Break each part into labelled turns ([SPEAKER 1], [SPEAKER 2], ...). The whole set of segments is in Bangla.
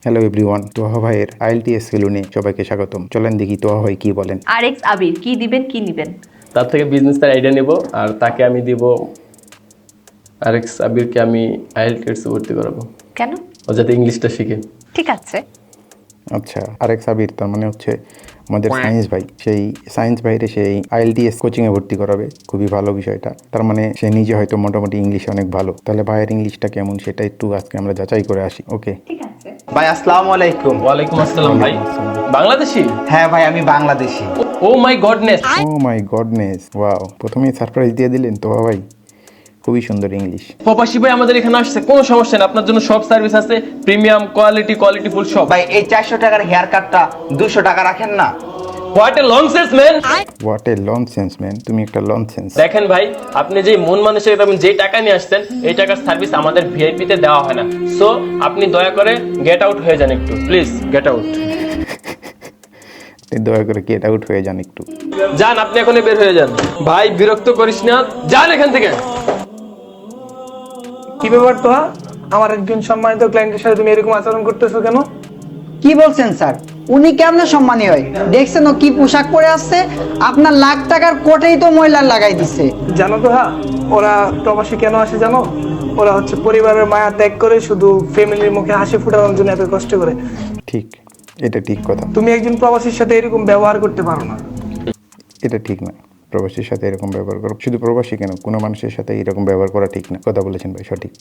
[SPEAKER 1] হ্যালো এভরিওয়ান, তোহা ভাইয়ের আইএলটিএস সেলুনে সবাইকে স্বাগতম। চলেন দেখি তোহা ভাই কি বলেন।
[SPEAKER 2] আরএক্স আবির কি দিবেন কি নিবেন?
[SPEAKER 3] তার থেকে বিজনেসের আইডিয়া নেব আর তাকে আমি দিব আরএক্স আবিরকে আমি আইএলটিএস ভর্তি করাবো,
[SPEAKER 2] কেন?
[SPEAKER 3] ও যাতে ইংলিশটা শিখে।
[SPEAKER 2] ঠিক আছে।
[SPEAKER 1] আচ্ছা, আরএক্স আবির তার মানে হচ্ছে আমাদের সায়েন্স ভাই। সেই সায়েন্স ভাইরে সেই আইএলটিএস কোচিংয়ে ভর্তি করাবে, খুবই ভালো বিষয়টা। তার মানে সে নিজে হয়তো মোটামুটি ইংলিশে অনেক ভালো। তাহলে ভাইয়ের ইংলিশটা কেমন সেটা একটু আজকে আমরা যাচাই করে আসি। ওকে
[SPEAKER 2] ঠিক আছে।
[SPEAKER 4] ভাই আসসালামু আলাইকুম।
[SPEAKER 3] ওয়ালাইকুম আসসালাম ভাই। বাংলাদেশি?
[SPEAKER 4] হ্যাঁ ভাই আমি Bangladeshi.
[SPEAKER 3] Oh my goodness.
[SPEAKER 1] Oh my goodness, wow, প্রথমেই সারপ্রাইজ দিয়ে দিলেন তোহা ভাই। খুবই সুন্দর ইংলিশ।
[SPEAKER 3] প্রবাসী ভাই আমাদের এখানে আসছে, কোনো সমস্যা নেই, আপনার জন্য সব সার্ভিস আছে, প্রিমিয়াম কোয়ালিটি ফুল সব।
[SPEAKER 4] ভাই এই 400 টাকার হেয়ার কাটটা 200 টাকা রাখেন না?
[SPEAKER 3] What a nonsense man.
[SPEAKER 1] What a nonsense man, তুমি একটা লনসেন্স।
[SPEAKER 3] দেখেন ভাই, আপনি যে মন মানুষের যেই টাকা নিয়ে আসছেন, এই টাকার সার্ভিস আমাদের ভিআইপি তে দেওয়া হয় না। সো আপনি দয়া করে গেট আউট হয়ে যান একটু, প্লিজ গেট আউট।
[SPEAKER 1] দয়া করে গেট আউট হয়ে যান একটু।
[SPEAKER 3] যান, আপনি এখনই বের হয়ে যান। ভাই বিরক্ত করিস না, যান এখান থেকে।
[SPEAKER 5] কি ব্যাপার তো? আমার একজন সম্মানিত ক্লায়েন্টের সাথে তুমি এরকম আচরণ করতেছো কেন?
[SPEAKER 6] কি বলছেন স্যার? উনি কেমনে সম্মানী হয়? দেখছেন ও কি পোশাক পরে আসছে? আপনার লাখ টাকার কোটেই তো ময়লা লাগাই দিছে।
[SPEAKER 5] জানো তো ওরা প্রবাসী কেন আসে জানো? ওরা হচ্ছে পরিবারের মায়া ত্যাগ করে শুধু ফ্যামিলির মুখে হাসি ফোটানোর জন্য এত কষ্ট করে।
[SPEAKER 1] ঠিক, এটা ঠিক কথা।
[SPEAKER 5] তুমি একজন প্রবাসীর সাথে এরকম ব্যবহার করতে পারো না।
[SPEAKER 1] এটা ঠিক না, প্রবাসীর সাথে এরকম ব্যবহার করা, শুধু প্রবাসী কেন, কোনো মানুষের সাথে এরকম ব্যবহার করা ঠিক না। কথা বলেছেন ভাই, সঠিক।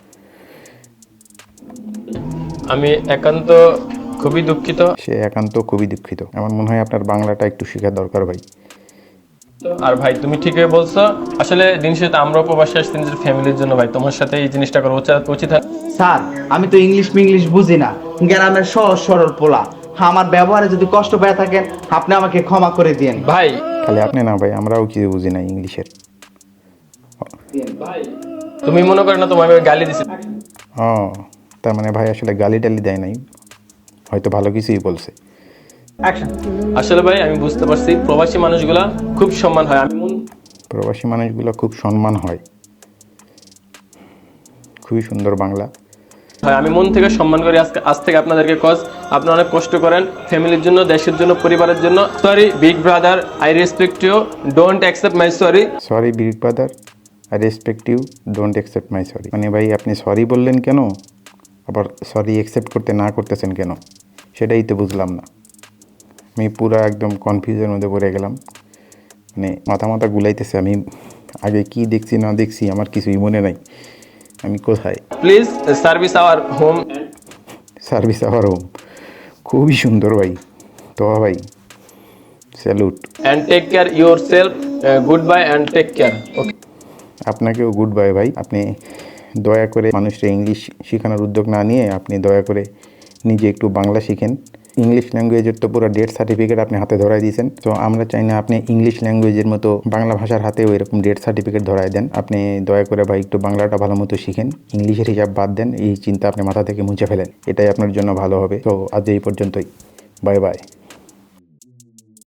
[SPEAKER 3] আমি একান্ত খুবই দুঃখিত।
[SPEAKER 1] সে একান্ত খুবই দুঃখিত। আমার মনে হয় আপনার বাংলাটা একটু শেখার দরকার ভাই।
[SPEAKER 3] আর ভাই তুমি ঠিকই বলছো, আসলে দিন শেষে আমরা প্রবাসী আসছি নিজের ফ্যামিলির জন্য। ভাই তোমার সাথে এই জিনিসটা করা উচিত হয়।
[SPEAKER 4] স্যার আমি তো ইংলিশ বুঝি না, গ্রামের সহজ সরল পোলা। আমার ব্যবহারে যদি কষ্ট পেয়ে থাকেন আপনি আমাকে ক্ষমা করে দিয়েন।
[SPEAKER 3] ভাই
[SPEAKER 1] খালি আপনি না ভাই, আমরাও কিছু বুঝি না ইংলিশের।
[SPEAKER 3] তুমি মনে করো না তোমার গালি দিছি?
[SPEAKER 1] ও, তার মানে ভাই আসলে গালি টালি দেয় নাই, হয়তো ভালো কিছুই বলছে।
[SPEAKER 3] আসলে ভাই আমি বুঝতে পারছি প্রবাসী মানুষগুলা খুব সম্মান হয়।
[SPEAKER 1] প্রবাসী মানুষগুলো খুব সম্মান হয়। খুবই সুন্দর বাংলা।
[SPEAKER 3] আমি মন থেকে সম্মান করি আজ থেকে আপনাদেরকে, কজ আপনারা অনেক কষ্ট করেন ফ্যামিলির জন্য, দেশের জন্য, পরিবারের জন্য। Sorry big brother, I respect you, don't accept my sorry.
[SPEAKER 1] Sorry big brother, I respect you, don't accept my sorry. মানে ভাই আপনি সরি বললেন কেন, আবার সরি অ্যাকসেপ্ট করতে না করতেছেন কেন, সেটাই তো বুঝলাম না। আমি পুরো একদম কনফিউজের মধ্যে পড়ে গেলাম। মানে মাথা গুলাইতেছে। আমি আগে কি দেখছি না দেখছি আমার কিছুই মনে নাই। আমি কোথায়?
[SPEAKER 3] Please service our home.
[SPEAKER 1] Service our home, খুবই সুন্দর ভাই। তো ভাই salute.
[SPEAKER 3] And take care yourself, good bye and take care. Okay,
[SPEAKER 1] আপনাকেও গুড বাই ভাই। আপনি দয়া করে মানুষকে ইংলিশ শেখানোর উদ্যোগ না নিয়ে আপনি দয়া করে নিজে একটু বাংলা শিখেন। ইংলিশ ল্যাঙ্গুয়েজের তো পুরো ডেট সার্টিফিকেট আপনি হাতে ধরাই দিয়েছেন। তো আমরা চাই না আপনি ইংলিশ ল্যাঙ্গুয়েজের মতো বাংলা ভাষার হাতেও এরকম ডেট সার্টিফিকেট ধরাই দেন। আপনি দয়া করে ভাই একটু বাংলাটা ভালো মতো শিখেন, ইংলিশের হিসাব বাদ দেন, এই চিন্তা আপনি মাথা থেকে মুছে ফেলেন, এটাই আপনার জন্য ভালো হবে। তো আজ এই পর্যন্তই, বাই বাই।